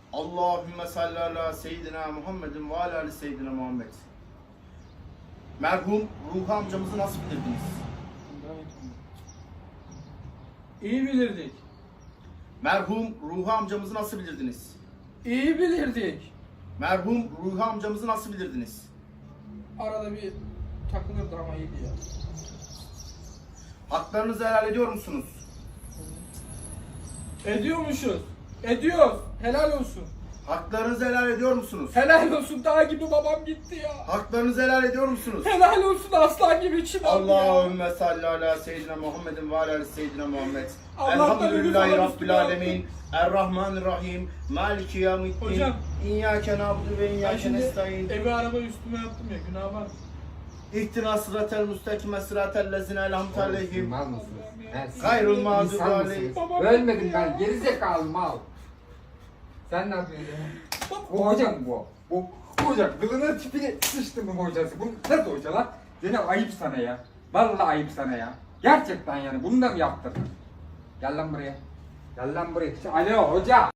Allahümme salli ala seyyidina Muhammedin ve ala ali seyyidina Muhammed. Merhum Ruhi amcamızı nasıl bilirdiniz? İyi bilirdik. Merhum Ruhi amcamızı nasıl bilirdiniz? İyi bilirdik. Merhum Ruhi amcamızı nasıl bilirdiniz? Arada bir takılırdı ama iyiydi ya. Haklarınızı helal ediyor musunuz? Ediyormuşuz. Ediyoruz. Helal olsun. Haklarınızı helal ediyor musunuz? Helal olsun. Dağ gibi babam gitti ya. Haklarınızı helal ediyor musunuz? Helal olsun, aslan gibi içim aldı ya. Allahümme salli ala seyyidina Muhammedin ve ala ali seyyidina Muhammed. Allah'tan ölü Elhamdülillahi falan Rabbil üstüne alemin. Errahmanirrahim. Maliki yevmiddin. Hocam. İyyâke na'budu ve Ben iyyâke şimdi nestaîn. evi araba üstüme yaptım ya, günah var mı? İhtina sıratel müstakime sıratel lezine elhamdü aleyhim. Mal mısınız? Gayrul mağdubi İnsan aleyhim. mısınız? Babam Ölmedim gitti ben, ya. gerizekalı mal. Sen ne yapıyorsun ya? Bu hocam bu. Bu hoca, kılına tipine sıçtı mı hocası? Bu nasıl hoca lan? Zeynep ayıp sana ya. Vallahi ayıp sana ya. Gerçekten yani, bunu da mı yaptın? Gel lan buraya. Gel lan buraya. Alo hoca.